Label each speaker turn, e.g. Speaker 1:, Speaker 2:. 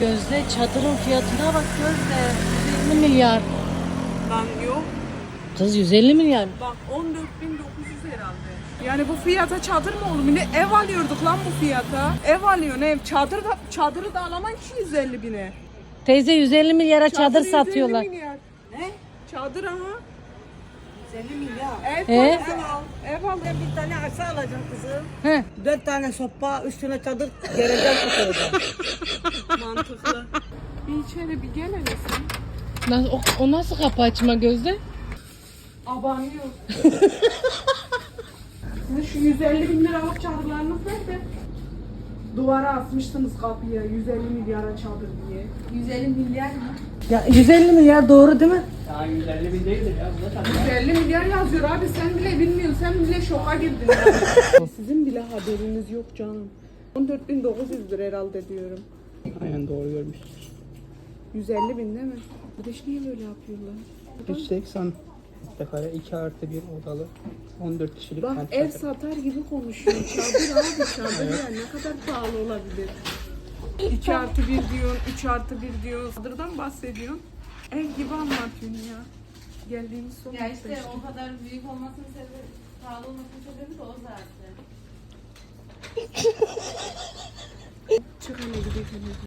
Speaker 1: Gözde çadırın fiyatına bak Gözde. 150 milyar.
Speaker 2: Lan yok.
Speaker 1: Kız 150 milyar.
Speaker 2: Bak 14.900 herhalde. Yani bu fiyata çadır mı olur? Ne ev alıyorduk lan bu fiyata. Ev alıyorsun ev. Çadırı da alaman 250 bine.
Speaker 1: Teyze 150 milyara çadır
Speaker 2: 150
Speaker 1: satıyorlar.
Speaker 2: milyar.
Speaker 3: Ne?
Speaker 2: Çadır ama.
Speaker 3: 150 milyar.
Speaker 2: Ev
Speaker 1: He?
Speaker 2: parası al. Ev al.
Speaker 3: Ben bir tane arsa alacağım kızım.
Speaker 1: He.
Speaker 3: 4 tane sopa, üstüne çadır gereceğim tutacağım.
Speaker 2: Mantıklı. Bir içeri bir gel hele sen.
Speaker 1: O nasıl kapı açma Gözde?
Speaker 2: Abanıyor. Sizin şu 150 bin liralık çadırlarınız nerede? Duvara asmıştınız kapıya 150 milyara çadır diye. 150 milyar mı?
Speaker 1: Ya 150 milyar doğru değil mi?
Speaker 4: Ya 150 bin değildir ya. Bu da tabii.
Speaker 2: 150 milyar yazıyor abi sen bile bilmiyorsun sen bile şoka girdin. Sizin bile haberiniz yok canım. 14.900'dür herhalde diyorum.
Speaker 4: Aynen doğru görmüşsün.
Speaker 2: 150 bin değil mi? Kardeş niye böyle yapıyorlar?
Speaker 4: 180 metrekare 2 artı 1 odalı 14 kişilik
Speaker 2: Bak
Speaker 4: kent
Speaker 2: ev
Speaker 4: çadırı.
Speaker 2: satar gibi konuşuyor. Çadır abi çadır ya ne kadar pahalı olabilir? 2 artı 1 diyorsun, 3 artı 1 diyorsun. Çadırdan bahsediyorsun. Ev gibi anlatıyorsun ya. Geldiğimiz son
Speaker 5: Ya işte
Speaker 2: nokta
Speaker 5: o kadar büyük olmasının sebebi, pahalı olmasının sebebi de o zaten.
Speaker 2: Çık hele gidelim.